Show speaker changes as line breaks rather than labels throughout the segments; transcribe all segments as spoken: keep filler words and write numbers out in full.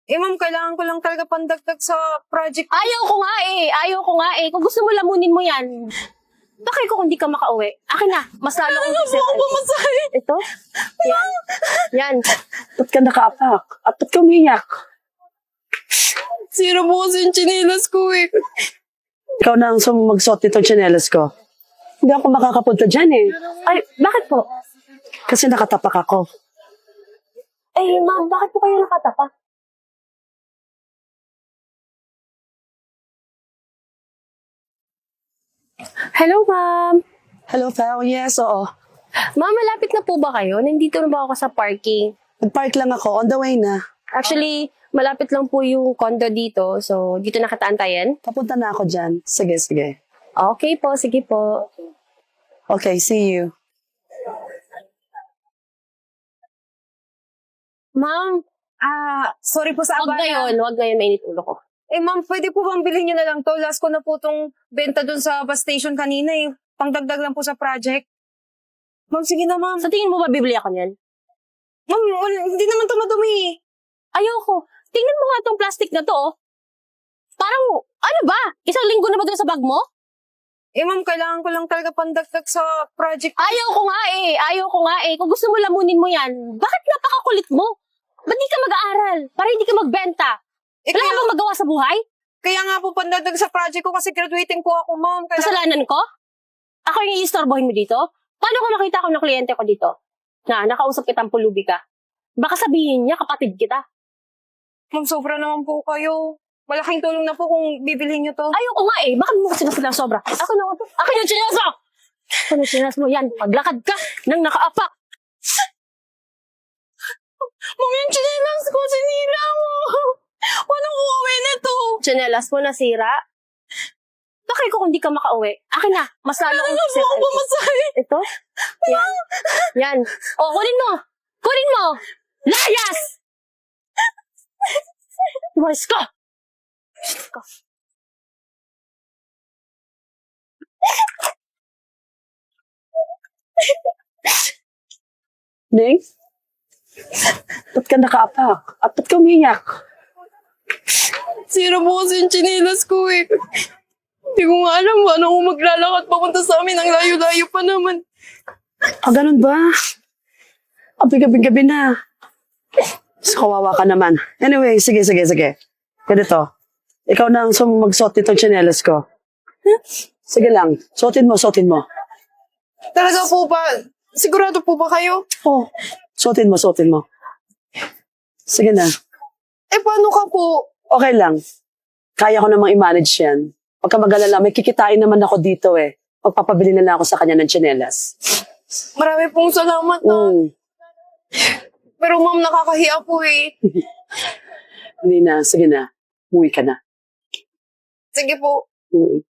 Eh ma'am, kailangan ko lang talaga pandagdag sa project.
Ayaw ko nga eh. Ayaw ko nga eh. Kung gusto mo lamunin mo yan, bakit ko kung di ka makauwi? Akin na. Mas lalo kong
Ano po ako pumasahin?
Ito? Yan. Yan.
Ba't ka nakaapak? At ba't ka umiyak?
Sira po kasi yung chinelas ko eh.
Ikaw na ang sum- magsuot nitong tsinelas ko. Hindi ako makakapunta dyan eh.
Ay, bakit po?
Kasi nakatapak ako.
Eh, ma'am, bakit po kayo nakatapa? Hello, ma'am.
Hello, Pao. Yes, oo.
Ma'am, malapit na po ba kayo? Nandito na ba ako sa parking?
Nag-park lang ako. On the way na.
Actually, malapit lang po yung condo dito. So, dito nakataantayan.
Papunta na ako dyan. Sige, sige.
Okay po, sige po.
Okay, see you.
Ma'am, ah, sorry po sa
Huwag
abala.
ngayon, huwag ngayon, mainit ulo ko.
Eh ma'am, pwede po bang bilhin nyo na lang to? Last ko na po tong benta dun sa bus station kanina eh. Pangdagdag lang po sa project. Ma'am, sige na ma'am.
Sa tingin mo ba bibili ako niyan?
Ma'am, wala- hindi naman to madumi eh.
Ayoko. Tingnan mo nga tong plastic na to, oh. Parang, ano ba? Isang linggo na ba dun sa bag mo?
Eh ma'am, kailangan ko lang talaga pandagdag sa project.
Ayaw ko nga eh. Ayaw ko nga eh. Kung gusto mo lamunin mo yan, bakit napakakulit mo? Ba't di ka mag-aaral? Para hindi ka magbenta?
Eh,
Wala ka
kaya,
bang magawa sa buhay?
kaya nga po pandagdag sa project ko kasi graduating po ako ma'am. Kaya,
Kasalanan ko? Ako yung iistorbohin mo dito? Paano ko makita ko ng kliyente ko dito? Na, nakausap kitang pulubi ka. Baka sabihin niya, kapatid kita.
ma'am, sobra naman po kayo. Malaking tulong na po kung bibilhin nyo to.
Ayaw ko nga eh. Bakit mo kasi sila sobra? Ako na ito. Ako yung chinas mo! Ako yung chinas mo. Yan, paglakad ka nang nakaapak.
Ma'am, yung chinelas ko, sinira mo. Walang uuwi na to.
Chinelas mo nasira. Bakit ko kung di ka makauwi? Akin na. Mas lalo kong
Ano po ako pumasahin?
Ito? Yan. Yan. O, kunin mo. Kunin mo. Layas! Umayos ka. Umayos ka.
Neng? Ba't ka nakaapak? At ba't ka umiyak?
Sira po kasi yung chinelas ko eh. Hindi ko nga alam paano ako maglalakad papunta sa amin. Ang layo-layo pa naman.
Ah, ganun ba? Abi gabi-gabi na. Mas kawawa ka naman. Anyway, sige, sige, sige. Ganito. Ikaw na ang sum- magsuot nitong tsinelas ko. Sige lang. Suotin mo, suotin mo.
Talaga po ba? Sigurado po ba kayo?
Oh, suotin mo, suotin mo. Sige na.
Eh, paano ka po?
Okay lang. Kaya ko namang i-manage yan. Huwag ka mag-alala, may kikitain naman ako dito eh. Magpapabili na lang ako sa kanya ng tsinelas.
Marami pong salamat na.
Mm.
Pero ma'am, nakakahiya po eh.
Hindi na, sige na. Uwi ka na.
Sige po.
Mm.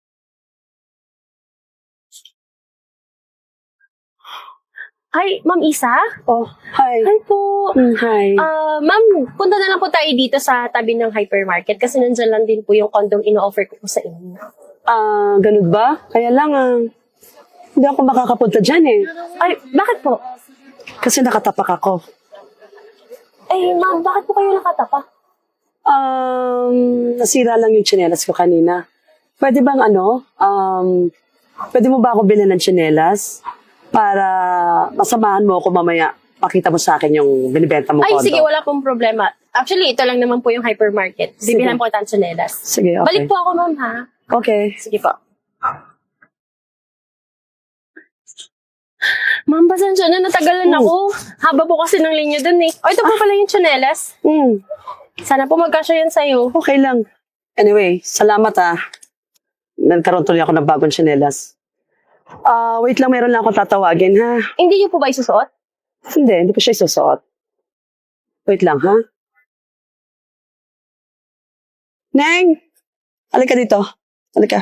Hi, Ma'am Isa?
Oh, hi.
Hi po.
Mm, hi.
Ah, ma'am, punta na lang po tayo dito sa tabi ng hypermarket kasi nandyan lang din po yung condom ino-offer ko po sa inyo.
Ah, ganun ba? Kaya lang, ah, hindi ako makakapunta dyan eh.
Ay, bakit po?
Kasi nakatapak ako.
Eh, ma'am, bakit po kayo nakatapa?
Um, nasira lang yung tsinelas ko kanina. Pwede bang ano, um, pwede mo ba ako bilhin ng tsinelas? Para masamahan mo ako mamaya. Pakita mo sa akin yung binibenta mo
Ay,
kondo.
sige, wala pong problema. Actually, ito lang naman po yung hypermarket.
Sige.
Bibihan po kita ng tsinelas.
Sige, okay.
Balik po ako, ma'am, ha?
Okay.
Sige po. Ma'am, pasensya na, natagalan
Hmm.
ako. Haba po kasi ng linya dun eh. O, ito po pala yung tsinelas.
Mm,
Sana po magkasya yan sa'yo.
okay lang. Anyway, salamat ah. Nagkaroon tuloy ako ng bagong tsinelas. Ah, wait lang, meron lang akong tatawagin ha.
Hindi niyo po ba isusuot?
Hindi, hindi ko siya isusuot. Wait lang ha. Neng! Halika dito. Halika.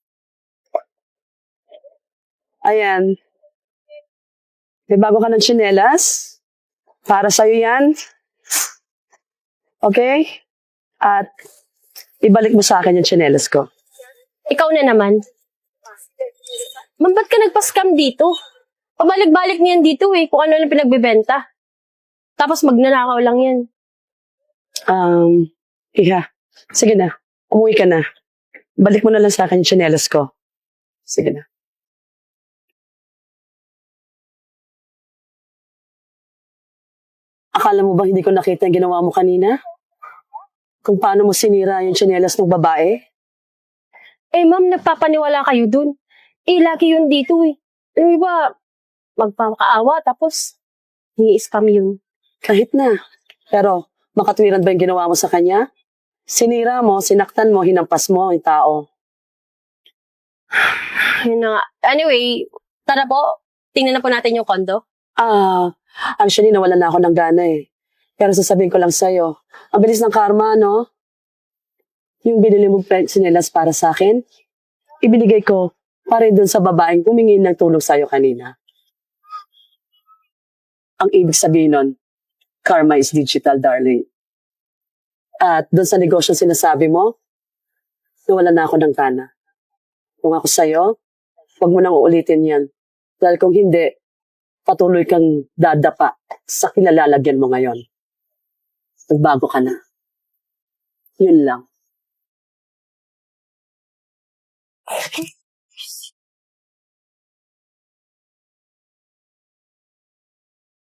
Ayan. May bago ka ng tsinelas. Para sa'yo yan. Okay? At ibalik mo sa akin yung tsinelas ko.
Ikaw na naman. Ma'am, ba't ka nagpa-scam dito? Pabalik-balik niyan dito eh, kung ano lang pinagbibenta. Tapos magnanakaw lang yan.
Um, Iha, sige na. Umuwi ka na. Balik mo na lang sa akin yung tsinelas ko. Sige na. Akala mo ba hindi ko nakita yung ginawa mo kanina? Kung paano mo sinira yung tsinelas ng babae?
Eh, ma'am, nagpapaniwala kayo dun. Eh, lagi yun dito eh. Alam mo ba, magpapakaawa tapos i-scam yun.
Kahit na. Pero, makatwiran ba yung ginawa mo sa kanya? Sinira mo, sinaktan mo, hinampas mo yung tao.
Yun na nga. Anyway, tara po. Tingnan na po natin yung kondo.
Ah, actually, nawalan na ako ng gana eh. Pero sasabihin ko lang sa'yo, ang bilis ng karma, no? Yung binili mong tsinelas para sa akin, ibinigay ko para doon sa babaeng humingi ng tulong sa'yo kanina. Ang ibig sabihin nun, karma is digital, darling. At doon sa negosyo sinasabi mo, nawalan na ako ng gana. Kung ako sa'yo, huwag mo nang uulitin yan. Dahil kung hindi, patuloy kang dadapa sa kinalalagyan mo ngayon. Nagbago ka na. Yun lang.